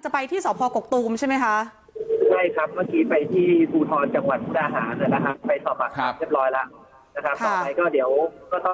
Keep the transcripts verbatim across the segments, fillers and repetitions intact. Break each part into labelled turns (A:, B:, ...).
A: จะไปที่สพกกตูมใช่ไหมคะ
B: ใช่ครับเมื่อกี้ไปที่ภูธรจังหวัดมุกดาหารนะครับไปสอบปากคำเรียบร้อยแล้วนะครับต่อไปก็เดี๋ยวก็ต้อง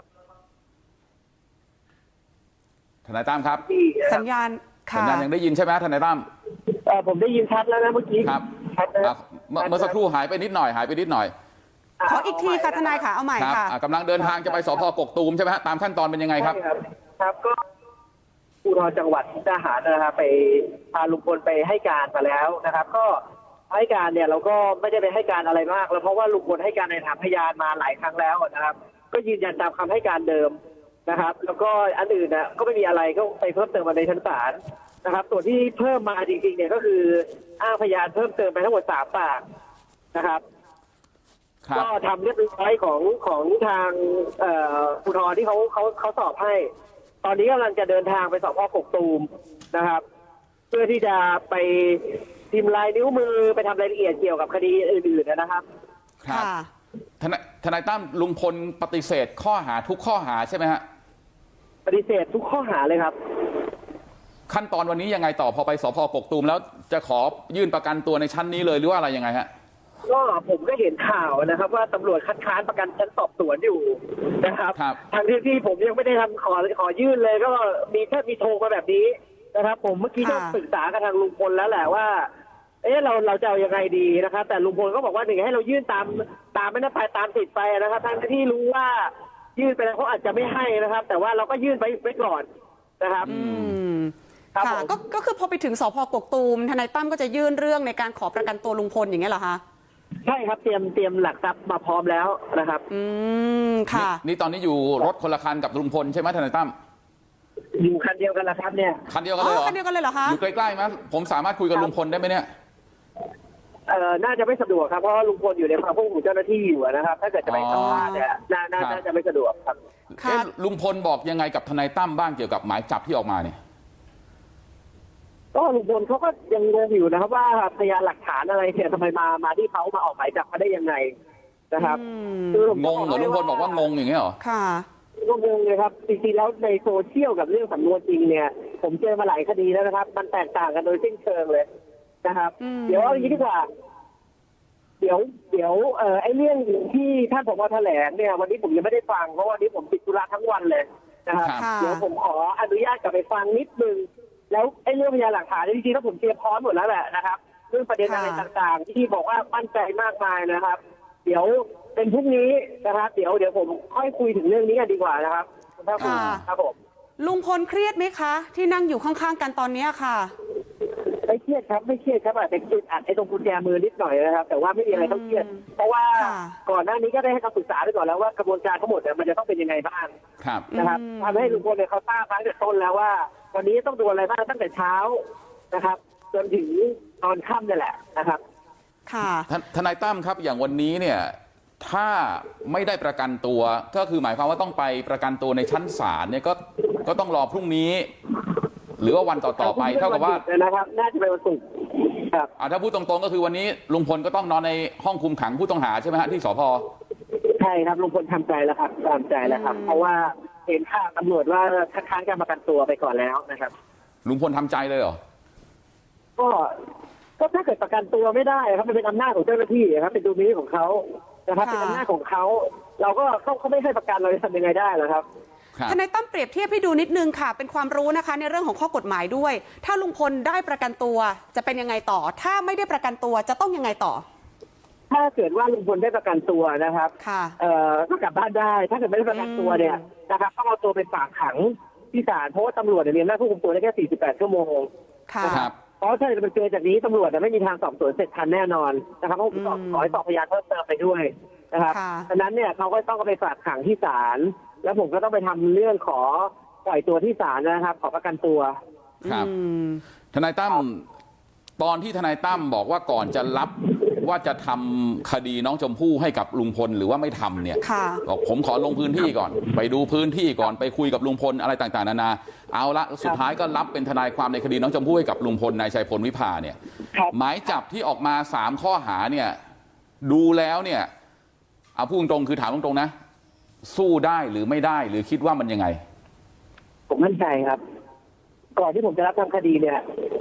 C: ทนายตั้มครับ
A: สัญญาณ
C: สัญญาณยังได้ยินใช่ไหมทนายตั้ม
B: เออผมได้ยินชัดแล้วนะเมื่อกี้
C: ครับ
B: ชัดนะ
C: เมื่อสักครู่หายไปนิดหน่อยหายไปนิดหน่อย
A: ขออีกทีค่ะทนายค่ะเอาใหม่ค่ะ
C: กำลังเดินทางจะไปสพกกตูมใช่ไหมฮะตามขั้นตอนเป็นยังไงครับ
B: ครับก็ภูธรจังหวัดมุกดาหารนะครับไปพาลุงพลไปให้การมาแล้วนะครับก็ให้การเนี่ยเราก็ไม่ได้ไปให้การอะไรมากแล้วเพราะว่าลุงพลให้การในฐานพยานมาหลายครั้งแล้วนะครับก็ยืนยันตามคำให้การเดิมนะครับแล้วก็อันอื่นนะก็ไม่มีอะไรก็ไปเพิ่มเติมมาในชั้นศาลนะครับส่วนที่เพิ่มมาจริงๆเนี่ยก็คืออ้างพยานเพิ่มเติมไปทั้งหมดสามปากนะครับก็ทำเรียบร้อยของของทางภูธรที่เขาเขาเขาสอบให้ตอนนี้กำลังจะเดินทางไปสอบพ่อกกตูมนะครับเพื่อที่จะไปพิมพ์ลายนิ้วมือไปทำรายละเอียดเกี่ยวกับคดีอื่นๆนะครับ
C: ครับทนายทนายตั้มลุงพลปฏิเสธข้อหาทุกข้อหาใช่ไหมฮะ
B: ปฏิเสธทุกข้อหาเลยครับ
C: ขั้นตอนวันนี้ยังไงต่อพอไปสพกกตูมแล้วจะขอยื่นประกันตัวในชั้นนี้เลยหรือว่าอะไรยังไงฮะ
B: ก็ผมก็เห็นข่าวนะครับว่าตำรวจคัดค้านประกันชั้นสอบสวนอยู่นะครับทางที่ที่ผมยังไม่ได้ทำขอขอยื่นเลยก็มีแค่มีโทรมาแบบนี้นะครับผมเมื่อกี้ก็ปรึกษากับทางลุงพลแล้วแหละว่าเอ๊ะเราเราจะเอายังไงดีนะครับแต่ลุงพลก็บอกว่าหนึ่งให้เรายื่นตามตามไม่ได้ไปตามสิทธิ์ไปนะครับทั้งที่รู้ว่ายื่นไปแล้วเขาอาจจะไม่ให้นะครับแต่ว่าเราก็ยื่นไปไว้ก่อนนะครับ
A: อืมค่ะก็ก็คือพอไปถึงสพกกตูมทนายตั้มก็จะยื่นเรื่องในการขอประกันตัวลุงพลอย่างเงี้ยเหรอคะ
B: ใช่ครับเตรียมเตรียมหลักทรัพย์มาพร้อมแล้วนะครับ
A: อืมค่ะ
C: นี่ตอนนี้อยู่รถคนละคันกับลุงพลใช่ไหมทนายตั้ม
B: อยู่คันเดียวกันละครับเนี่ย
C: คันเดียวกันเลยเหรอ
A: คันเดียวกันเลยเหรอคะ
C: อยู่ใกล้ๆไหมผมสามารถคุยกับลุงพลได้ไหมเนี่ย
B: เอ่อน่าจะไม่สะดวกครับเพราะว่าลุงพลอยู่ในความควบคุมเจ้าหน้าที่อยู่นะครับถ้าเกิดจะไปสัมภาษณ์เนี่ยน่าน่าจะไม่สะดวกครับ
C: ลุงพลบอกยังไงกับทนายตั้มบ้างเกี่ยวกับหมายจับที่ออกมาเนี่ย
B: ก็ลุงพลเขาก็ยังงงอยู่นะครับว่าพยานหลักฐานอะไรเนี่ยทำไมมามาที่เขามาออกหมายจับเขาได้ยังไงนะครับ
C: งงเหรอลุงพลบอกว่างงอย่างเงี้ยเหรอ
A: ค่ะ
B: ก็งงเลยครับจริงๆแล้วในโซเชียลกับเรื่องสำนวนจริงเนี่ยผมเจอมาหลายคดีแล้วนะครับมันแตกต่างกันโดยสิ้นเชิงเลยนะครับเดี๋ยวเอาอย่างนี้ดีกว่าเดี๋ยวเดี๋ยวเอ่อไอ้เรื่องที่ท่านผอ.แถลงเนี่ยวันนี้ผมยังไม่ได้ฟังเพราะวันนี้ผมติดธุระทั้งวันเลยนะครับเดี๋ยวผมขออนุญาตกลับไปฟังนิดนึงแล้วไอ้เรื่องพยานหลักฐานจริงๆแล้วผมเตรียมพร้อมหมดแล้วแหละนะครับเรื่องประเด็นอะไรต่างๆที่บอกว่ามั่นใจมากมายนะครับเดี๋ยวเป็นพรุ่งนี้นะครับเดี๋ยวเดี๋ยวผมค่อยคุยถึงเรื่องนี้กันดีกว่านะครับ
A: ค่ะ
B: ครับผม
A: ลุงพลเครียดไหมคะที่นั่งอยู่ข้างๆกันตอนนี้ค่ะ
B: ไม่เครียดครับไม่เครียดครับอาจจะจุดอัดไอ้ตรงกุญแจมือนิดหน่อยนะครับแต่ว่าไม่มีอะไรต้องเครียดเพราะว่าก่อนหน้านี้ก็ได้ให้คำปรึกษาไปก่อนแล้วว่ากระบวนการทั้งหมดเนี่ยมันจะต้องเป็นยังไงบ้างนะครับทำให้ลุงพลเนี่ยเขาทราบตั้งแต่ต้นแล้วว่าวันนี้ต้องดูอะไรบ้างตั้งแต่เช้านะครับจนถึงตอนค่ำนี่แหละนะครับ
A: ค่ะ
C: ทนายตั้มครับอย่างวันนี้เนี่ยถ้าไม่ได้ประกันตัวก็คือหมายความว่าต้องไปประกันตัวในชั้นศาลเนี่ยก็ก็ต้องรอพรุ่งนี้หรือว่าวันต่อๆไปเท่ากับว่า
B: นะครับน่าจะเป็นวันศุกร์ครับ
C: ถ้าพูดตรงๆก็คือวันนี้ลุงพลก็ต้องนอนในห้องคุมขังผู้ต้องหาใช่ไหมฮะที่สพ.
B: ใช่ครับลุงพลทำใจแล้วครับตามใจแล้วครับเพราะว่าเห็นข่าวตำรวจว่าคัดค้านการประกันตัวไปก่อนแล้วนะครับ
C: ลุงพลทำใจเลยเหรอ
B: ก็ก็ถ้าเกิดประกันตัวไม่ได้ครับมันเป็นอำนาจของเจ้าหน้าที่ครับเป็นดุลพินิจของเขานะครับเป็นอำนาจของเขาเราก็เขาเขาไม่ให้ประกันเราจะทำยังไงได้ล่ะครับ
A: ทนายตั้มเปรียบเทียบให้ดูนิดนึงค่ะเป็นความรู้นะคะในเรื่องของข้อกฎหมายด้วยถ้าลุงพลได้ประกันตัวจะเป็นยังไงต่อถ้าไม่ได้ประกันตัวจะต้องยังไงต่อ
B: ถ้าเกิดว่าลุงพลได้ประกันตัวนะครับ
A: ค่ะ
B: เอ่อก็กลับบ้านได้ถ้าเกิดไม่ได้ประกันตัวเนี่ยนะครับต้องเอาตัวไปฝากขังที่ศาลเพราะว่าตำรวจเนี่ยมีอำนาจควบคุมตัวได้แค่สี่สิบแปดชั่วโมง
A: ค่ะ
B: เพราะถ้าจะเป็นเกินจากนี้ตำรวจจะไม่มีทางสอบสวนเสร็จทันแน่นอนนะครับต้องขอให้สอบพยานเพิ่มเติมไปด้วยนะครับดังนั้นเนี่ยเขาก็ต้องไปฝากขังที่ศาลแล้วผมก็ต้องไปทำเรื่องขอปล่อยตัวที่ศาลนะครับขอประกันตัว
C: ครับทนายตั้มตอนที่ทนายตั้มบอกว่าก่อนจะรับว่าจะทำคดีน้องชมพู่ให้กับลุงพลหรือว่าไม่ทำเนี่ยบอกผมขอลงพื้นที่ก่อนไปดูพื้นที่ก่อนไปคุยกับลุงพลอะไรต่างๆนานาเอาละสุดท้ายก็รับเป็นทนายความในคดีน้องชมพู่ให้กับลุงพลนายชัยพลวิภาเนี่ยหมายจับที่ออกมาสามข้อหาเนี่ยดูแล้วเนี่ยเอาพูดตรงๆคือถามตรงๆนะสู้ได้หรือไม่ได้หรือคิดว่ามันยังไง
B: ผมมั่นใจครับก่อนที่ผมจะรับทำคดีเนี่ย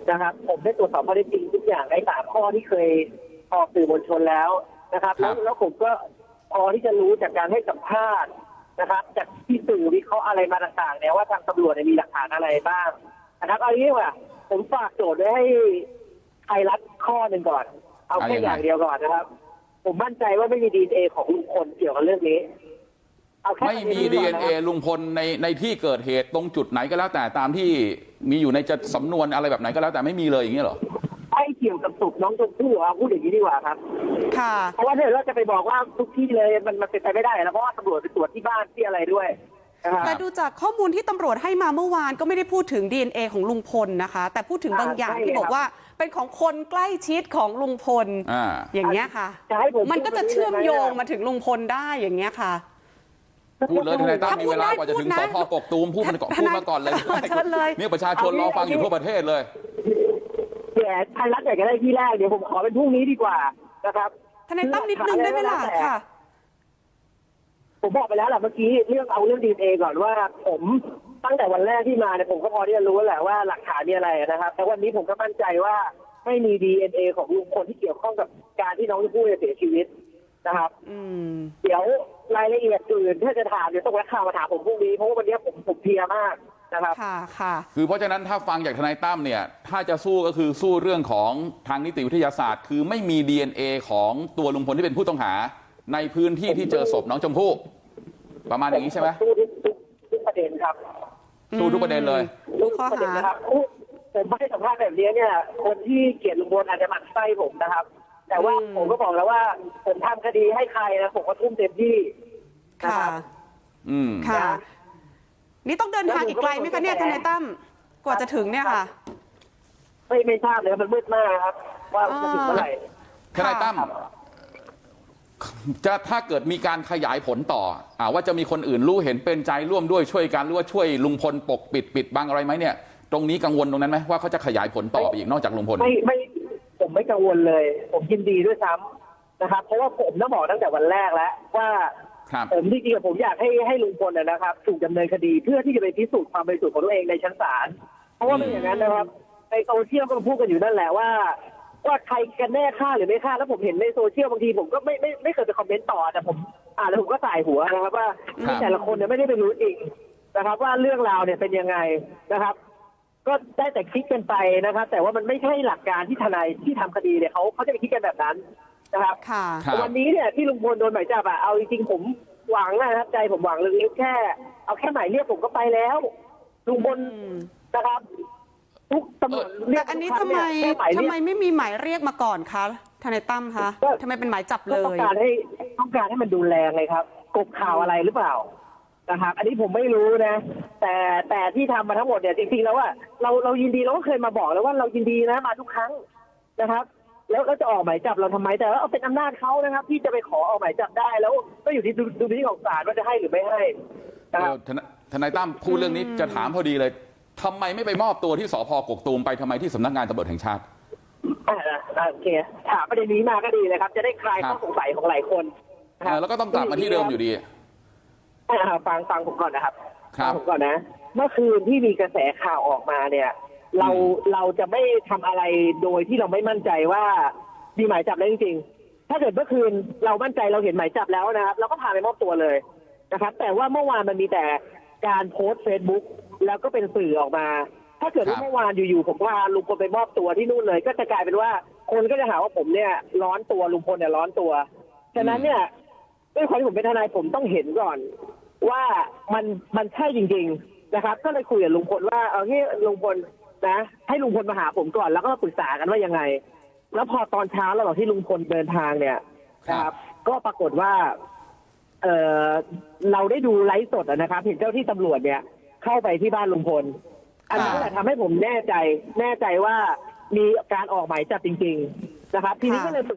B: นะครับผมได้ตรวจสอบข้อเท็จจริงทุกอย่างในสามข้อที่เคยออกสื่อมวลชนแล้วนะครับ
C: ครั
B: แล้ว
C: บ
B: แล้วผมก็พอที่จะรู้จากการให้สัมภาษณ์นะครับ จากที่สื่อวิเคราะห์อะไรมาต่างๆเนี่ยว่าทางตำรวจเนี่ยมีหลักฐานอะไรบ้างนะครับเอางี้ว่าผมฝากโจทย์ไว้ให้ไทยรัฐข้อหนึ่งก่อน เอาแค่อย่างเดียวก่อนนะครับ ผมมั่นใจว่าไม่มีดีเอ็นเอของลุงพลเกี่ยวกับเรื่องนี้เอาแค่
C: ไม่มี
B: ประ
C: ดี
B: ก่
C: เอ็
B: น
C: น
B: นะ
C: เอ
B: ครับ
C: ลุงพลในในที่เกิดเหตุตรงจุดไหนก็แล้วแต่ตามที่มีอยู่ในจะสำนวนอะไรแบบไหนก็แล้วแต่ไม่มีเลยอย่างนี้เหรอ
B: ไม่เกี่ยวกับศพน้องชมพู่เอาพูดอย่างนี้ดีกว่าครับ
A: ค่ะ
B: เพราะว่าถ้าเกิดเราจะไปบอกว่าทุกที่เลยมันมันเป็นไปไม่ได้แล้วเพราะว่าตำรวจไปตรวจที่บ้านที่อะไรด้วยนะครับ
A: แต่ดูจากข้อมูลที่ตำรวจให้มาเมื่อวานก็ไม่ได้พูดถึง ดี เอ็น เอ ของลุงพลนะคะ แต่พูดถึงบางอย่าง
B: อ่าใช่
A: ที่บอกว่าเป็นของคนใกล้ชิดของลุงพล
C: อ่า
A: อย่างเงี้ยค่ะ
B: จะให้ผม
A: มันก็จะเชื่อมโยงมาถึงลุงพลได้อย่างเงี้ยค่ะ
C: พูดเลยทนายตั้ม
A: ถ้า
C: มี
A: พูด
C: เวลากว่าจะ
A: ได้
C: ถึง
A: พู
C: ส
A: ดนะ
C: พกกตูมพูดมันก่อน
A: ทนาย
C: พูดมาก่อนเลย
A: เชิญเลย
C: นี่ประชาชนรอฟังอยู่ทั่วประเทศเลย
B: แย่ไทยรัฐอยากจะได้ที่แรกเดี๋ยวผมขอเป็นพรุ่งนี้ดีกว่านะครับ
A: ทนายตั้มนิดนึงได้ไหมล่ะค่ะ
B: ผมบอกไปแล้วแหละเมื่อกี้เรื่องเอาเรื่องดีเอ็นเอก่อนว่า ผมตั้งแต่วันแรกที่มาเนี่ยผมก็พอที่จะรู้แหละว่าหลักฐานมีอะไรนะครับแต่วันนี้ผมก็มั่นใจว่าไม่มี ดี เอ็น เอ ของลุงพลที่เกี่ยวข้องกับการที่น้องชมพู่เสียชีวิตนะครับ
A: อืม
B: เดี๋ยวรายละเอียดอื่นถ้าจะถามเดี๋ยวต้องแวะข่าวมาถามผมพรุ่งนี้เพราะว่าวันนี้ผมผมเพลียมากนะครับ
A: ค่ะ ค่ะ
C: คือเพราะฉะนั้นถ้าฟังจากทนายตั้มเนี่ยถ้าจะสู้ก็คือสู้เรื่องของทางนิติวิทยาศาสตร์ คือไม่มี ดี เอ็น เอ ของตัวลุงพลที่เป็นผู้ต้องหา ในพื้นที่ที่เจอศพน้องชมพู่ประมาณอย่างนี้ใช่ไหม
B: สู้ทุกทุกทุกประเด็นครับ
C: สู้ทุกประเด็นเลย
A: ทุกข้อ
B: ประเด็น
A: หา
B: นะครับผมไม่ให้สัมภาษณ์แบบนี้เนี่ย คนที่เกลียดลุงพลอาจจะหมั่นไส้ผมนะครับ แต่ว่า
A: อืม
B: ผมก็บอกแล้วว่าผมทำคดีให้ใครนะผมก็ทุ่มเต็มที่นะ
A: ค่ะ
B: ครับ
C: อืม
A: ค่ะ นี่ต้องเดินทางอีกไกลไหมคะเนี่ยทนายตั้มกว่าจะถึงเนี่ยค่ะ
B: ไม่ไม่ทราบเลยครับมันมืดมากครับ ว่าจะถึงเมื่อไหร่
C: ทนายตั้มจะถ้าเกิดมีการขยายผลต่ออ่าว่าจะมีคนอื่นรู้เห็นเป็นใจร่วมด้วยช่วยกันหรือว่าช่วยลุงพลปกปิดปิดบังอะไรไหมเนี่ย ตรงนี้กังวลตรงนั้นไหมว่าเขาจะขยายผลต่อไปอีกนอกจากลุงพล
B: ไม่ไม่ผมไม่กังวลเลย ผมยินดีด้วยซ้ำนะครับ เพราะว่าผมต้องบอกตั้งแต่วันแรกแล้วว่า
C: ครับ
B: ผมจริงๆผมอยากให้ให้ลุงพลนะนะครับถูกดำเนินคดีเพื่อที่จะไปพิสูจน์ความบริสุทธิ์ของตัวเองในชั้นศาลเพราะว่าไม่อย่างนั้นนะครับในโซเชียลก็พูดกันอยู่นั่นแหละว่า ว่าใครกันแน่ฆ่าหรือไม่ฆ่าแล้วผมเห็นในโซเชียลบางทีผมก็ไม่ไม่ไม่เคยไปคอมเมนต์ต่อแต่ผมอ่านแล้วผมก็สายหัวนะครับว่าแต่ละคนเนี่ยไม่ได้ไปรู้จริงนะครับ ว่าเรื่องราวเนี่ยเป็นยังไงนะครับ ก็ได้แต่คิดกันไปนะครับ แต่ว่ามันไม่ใช่หลักการที่ทนายที่ทำคดีเนี่ยเขาเขาจะไปคิดกันแบบนั้นนะครับ
A: ค่ะ
C: ครับ
B: วันนี้เนี่ยที่ลุงพลโดนหมายจับอะเอาจริงๆผมหวังนะครับใจผมหวังลึกๆแค่ เอาแค่หมายเรียกผมก็ไปแล้วลุงพล
A: อืม
B: นะครับทุกตำรวจเรี
A: แต่
B: ยก
A: อันนี้
B: ทุ
A: ทำ
B: ก
A: ไม
B: ครั้งเนี่ยแค่หมาย
A: ทำ
B: เรีย
A: ไม
B: ก
A: ไม่มีหมายเรียกมาก่อนคะทนายตั้มคะ
B: ก็
A: ทำไมเป็นหมายจับ
B: ก็
A: เล
B: ต้อง
A: ย
B: การให้ต้องการให้มันดูแรงเลยครับกบข่าวอะไรหรือเปล่านะครับ อันนี้ผมไม่รู้นะ แต่แต่ที่ทำมาทั้งหมดเนี่ยจริงๆแล้วว่าเราเรายินดีเราก็เคยมาบอกแล้วว่าเรายินดีนะมาทุกครั้งนะครับ แล้วแล้วจะออกหมายจับเราทำไมแต่ว่าเอาเป็นอำนาจเขานะครับ ที่จะไปขอออกหมายจับได้แล้วก็อยู่ที่ดุลพินิจของศาลว่าจะให้หรือไม่ให้นะ
C: เอ
B: ครับ
C: อทนายทนายตั้มพูดเรื่องนี้จะถามพอดีเลยทำไมไม่ไปมอบตัวที่สพกกตูมไปทำไมที่สำนักงานตำรวจแห่งชาติ
B: อ่าอ่าโอเคถามประเด็นนี้มาก็ดีเลยครับ จะได้คลายข้อสงสัยของหลายคนนะค
C: เอ
B: รับ
C: อแล้วก็ต้องกลับมาที่เดิมอยู่ดี
B: อ่าฟังฟังผมก่อนนะครับ
C: ครับ
B: ฟังผมก่อนนะ เมื่อคืนที่มีกระแสข่าวออกมาเนี่ย เราเราจะไม่ทำอะไรโดยที่เราไม่มั่นใจว่ามีหมายจับแล้วจริงๆถ้าเกิดเมื่อคืนเรามั่นใจเราเห็นหมายจับแล้วนะครับเราก็พาไปมอบตัวเลยนะครับ แต่ว่าเมื่อวานมันมีแต่การโพสต์เฟซบุ๊กแล้วก็เป็นสื่อออกมา ถ้าเกิดว่าเมื่อวานอยู่ๆผมพาลุงพลไปมอบตัวที่นู่นเลย ก็จะกลายเป็นว่าคนก็จะหาว่าผมเนี่ยร้อนตัวลุงพลเนี่ยร้อนตัวฉะนั้นเนี่ยด้วยความที่ผมเป็นทนายผมต้องเห็นก่อนว่ามันมันใช่จริงๆนะครับ ก็เลยคุยกับลุงพลว่าเอางี้ลุงพลนะให้ลุงพลมาหาผมก่อนแล้วก็มาปรึกษากันว่ายังไง แล้วพอตอนเช้าระหว่างที่ลุงพลเดินทางเนี่ยนะครับ ก็ปรากฏว่า เออเราได้ดูไลฟ์สดอะนะครับ เห็นเจ้าที่ตำรวจเนี่ย เข้าไปที่บ้านลุงพล อันนั้นแหละทำให้ผมแน่ใจ แน่ใจว่ามีการออกหมายจับจริง ๆ นะครับ ทีนี้ก็เลย